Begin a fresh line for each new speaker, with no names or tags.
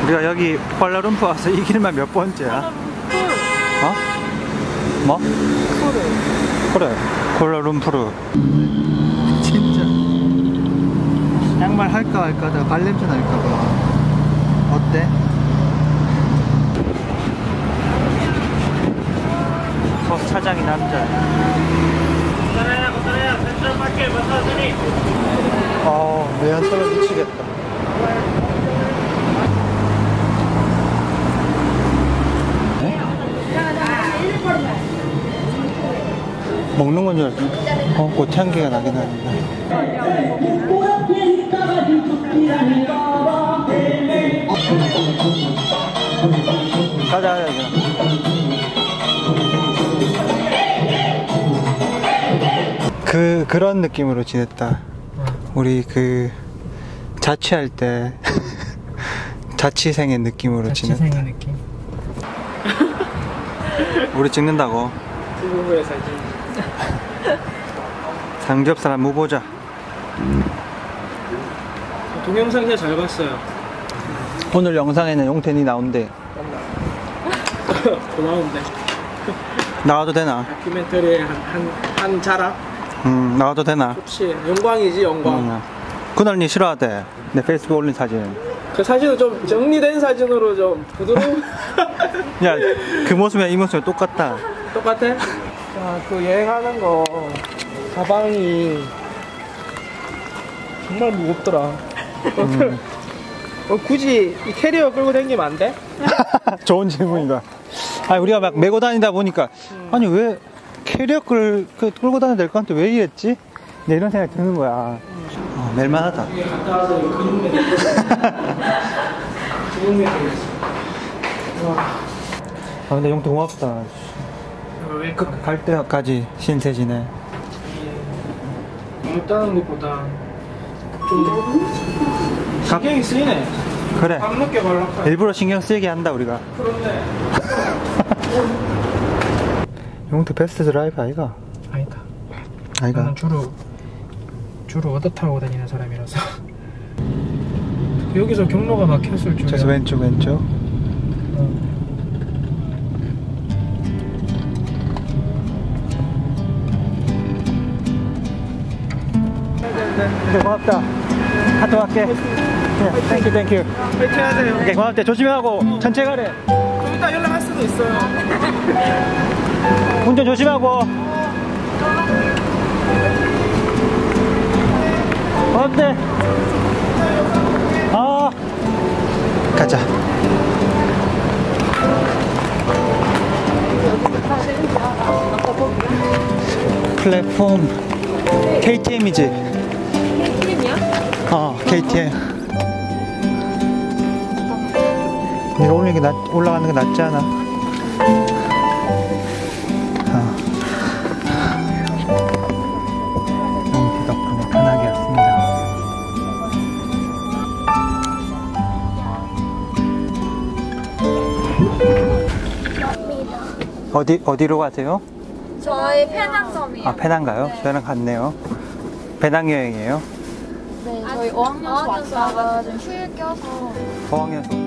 우리가 여기 쿠알라룸푸 와서 이 길만 몇 번째야? 어? 뭐? 그래, 쿠알라룸푸르. 진짜 양말 할까 말까 하다가 발냄새 날까봐. 어때? 버스 차장이 남자. 매연 떨어 미치겠다. 먹는 건 줄 알았어. 꽃향기가 나긴 하는데. 가자. 그런 느낌으로 지냈다. 우리 자취할 때 자취생의 느낌으로 지냈다.
자취생의 느낌.
우리 찍는다고.
부부의 사진.
삼겹살 한번 보자.
동영상 진짜 잘 봤어요.
오늘 영상에는 용태니 나온대.
고마운데.
나와도 되나?
다큐멘터리의 한 자락.
나와도 되나?
좋지. 영광이지, 영광.
그날 니 싫어하대. 내 페이스북 올린 사진.
그 사진은 좀 정리된 사진으로 좀 부드러운.
야, 그 모습이랑 이 모습이 똑같다.
똑같아? 자, 그 여행하는 거 가방이 정말 무겁더라. 굳이 이 캐리어 끌고 다니면 안 돼?
좋은 질문이다. 아니, 우리가 막 메고 다니다 보니까 아니 왜 캐리어 끌고 다녀야 될 것 같은데 왜 이랬지? 네, 이런 생각이 드는 거야. 멜만하다.
이게 갔다 와서 근육맨 근육맨 되겠어.
근데 용태 고맙다.
왜?
갈 때까지 신세지네.
없다는 것보다 좀 신경이 쓰이네.
그래.
밤늦게 발락하.
일부러 신경 쓰이게 한다 우리가.
그런데
용태 베스트 드라이브 아이가?
아니다.
아이가?
나는 주로 얻어 타고 다니는 사람이라서. 여기서 경로가 막혔을 줄이야.
그래서 왼쪽. 네, 고맙다. 갔다 갈게. 땡큐.
파이팅 하세요.
오케이, 고맙다. 조심하고 천천히 가래.
좀 이따 연락할 수도 있어요.
운전 조심하고. 고맙대. 가자. 플랫폼 KTM이지?
KTM이야?
KTM. 네가 올라가는 게 낫지 않아? 용태 덕분에 편하게 왔습니다. 어디로 가세요?
저희 페낭섬이요.
페낭가요? 저희랑 같네요. 배낭여행이에요?
네, 저희 어학연수 왔다가 좀 휴일 껴서
어학연수